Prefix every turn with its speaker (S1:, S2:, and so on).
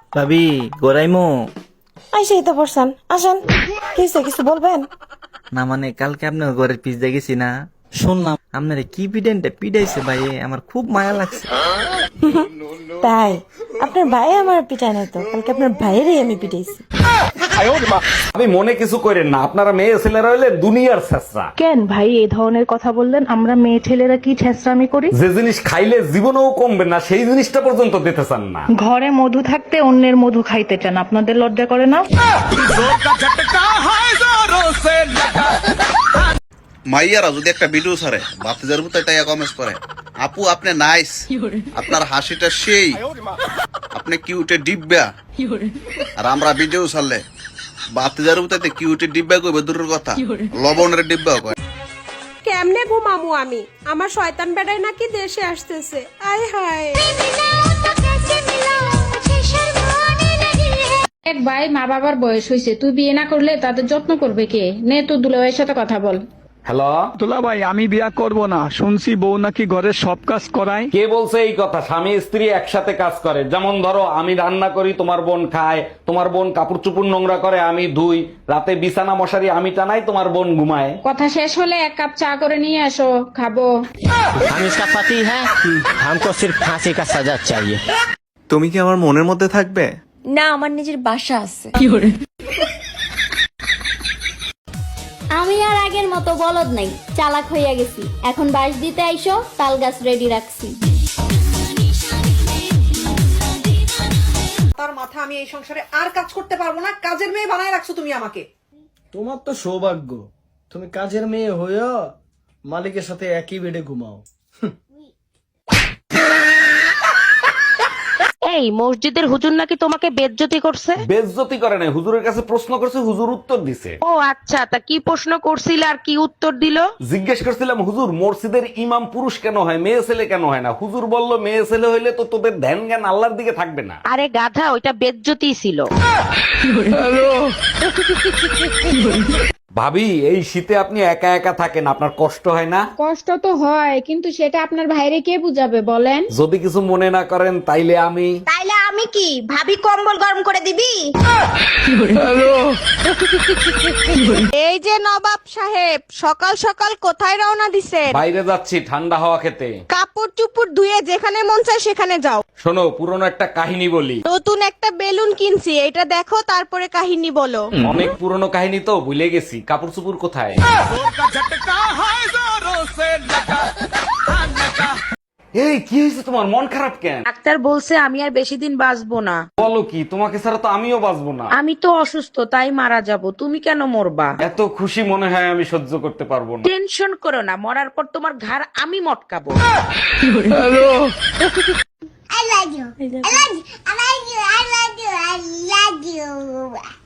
S1: ভাবি গোরাইমো
S2: আইসেই তো পড়ছেন, আসেন। কিছু বলবেন?
S1: না মানে কালকে আপনার ঘরের পিস দেখেছি না, শুনলাম আপনার কি পিডাইছে ভাই, আমার খুব মায়া লাগছে।
S2: তাই আপনার ভাই আমার পিটায় নাই তো, কালকে আপনার ভাইয়েরই আমি পিটাইছি।
S3: আমি মনে কিছু করেন না, আপনারা মেয়ে ছেলেরা হইলে দুনিয়ার ছেঁচড়া।
S4: কেন ভাই এই ধরনের কথা বললেন? আমরা মেয়ে ছেলেরা কি ছেঁচড়ামি করি?
S3: যে জিনিস খাইলে জীবনেও কমবে না সেই জিনিসটা পর্যন্ত দিতে চান না।
S4: ঘরে মধু থাকতে অন্যের মধু খাইতে চান, আপনাদের লজ্জা করে না?
S5: মাইয়ারা যদি একটা ভিডিও ছাড়ে বাতিজার মতো তাই কমেন্টস করে, আপু আপনি নাইস, আপনার হাসিটা সেই, আপনি কিউটে ডিব্বা। আর আমরা ভিডিও ছাড়লে বাতিজার মতো কিউটে ডিব্বা কইবে দূরের কথা, লবণের ডিব্বা কয়।
S6: কেমনে ঘুমামু আমি? আমার শয়তান বেড়াই নাকি দেশে আসতেছে। আয় হায়।
S7: এক ভাই মা বাবার বয়স হয়েছে, তুই বিয়ে না করলে তাদের যত্ন করবে কে? নে তোর দুলাভাইয়ের সাথে কথা বল।
S3: হ্যালো,
S8: দুলা ভাই আমি বিয়া করব না, শুনছি বউ নাকি ঘরের সব কাজ করায়।
S3: কে বলছে এই কথা? স্বামী স্ত্রী একসাথে কাজ করে। যেমন ধরো আমি রান্না করি, তোমার বোন খায়, তোমার বোন কাপড় চুপুর নোংরা করে, আমি ধুই, রাতে বিছানা মশারি আমি টানাই, তোমার বোন ঘুমায়।
S7: কথা শেষ হলে এক কাপ চা করে নিয়ে আসো, খাবো।
S9: हम इसका पति है, हमको सिर्फ फांसी का सजा चाहिए।
S10: তুমি কি আমার মনের মধ্যে থাকবে?
S2: না, আমার নিজের বাসা আছে।
S11: আমি আর আগের মতো বলদ নাই, চালাক হইয়া গেছি। এখন বাঁশ দিতে আইসো, তাল গাছ রেডি রাখছি।
S6: তার মাথা আমি এই সংসারে আর কাজ করতে পারবো না। কাজের মেয়ে বানায় রাখছো তুমি আমাকে।
S9: তোমার তো সৌভাগ্য, তুমি কাজের মেয়ে হইয়া মালিকের সাথে একই বেডে ঘুমাও।
S4: এই মসজিদের হুজুর নাকি তোমাকে বেজ্জতি করছে?
S3: বেজ্জতি করে নাই, হুজুরের কাছে প্রশ্ন করছে, হুজুর উত্তর দিছে।
S4: ও আচ্ছা, তা কি প্রশ্ন করছিল আর কি উত্তর দিল?
S3: জিজ্ঞেস করছিলাম, হুজুর মসজিদের ইমাম পুরুষ কেন হয়, মেয়ে ছেলে কেন হয় না? হুজুর বলল, মেয়ে ছেলে হইলে তো তোদের ধ্যান জ্ঞান আল্লাহর দিকে থাকবে না।
S4: আরে গাধা, ওইটা বেজ্জতি ছিল।
S3: ভাবি এই শীতে আপনি একা একা থাকেন, আপনার কষ্ট হয় না?
S7: কষ্ট তো হয়, কিন্তু সেটা আপনার ভাইরে কে বুঝাবে বলেন?
S3: যদি কিছু মনে না করেন তাইলে আমি
S2: কি ভাবি কম্বল গরম করে দিবি?
S6: এই যে নবাব সাহেব, সকাল সকাল কোথায় রওনা দিছে?
S3: বাইরে যাচ্ছি ঠান্ডা হাওয়া খেতে।
S6: কাপড় চুপড় ধুয়ে যেখানে মন চায় সেখানে যাও।
S3: শোনো, পুরনো একটা কাহিনী বলি।
S6: নতুন একটা বেলুন কিনছি, এটা দেখো তারপরে কাহিনী বলো।
S3: অনেক পুরনো কাহিনী তো ভুলে গেছি, কাপড় চুপুর কোথায়? এই কি হয়েছে তোমার, মন খারাপ কেন?
S4: ডাক্তার বলছে আমি আর বেশি দিন বাঁচবো না।
S3: বলো কি, তোমাকে ছাড়া তো আমিও বাঁচবো না।
S4: আমি তো অসুস্থ, তাই মারা যাব, তুমি কেন মরবা?
S3: এত খুশি মনে হয় আমি সহ্য করতে পারবো না।
S4: টেনশন করো না, মরার পর তোমার ঘাড় আমি মটকাবো।
S11: I love you. I love you. I love you. I love you. I love you.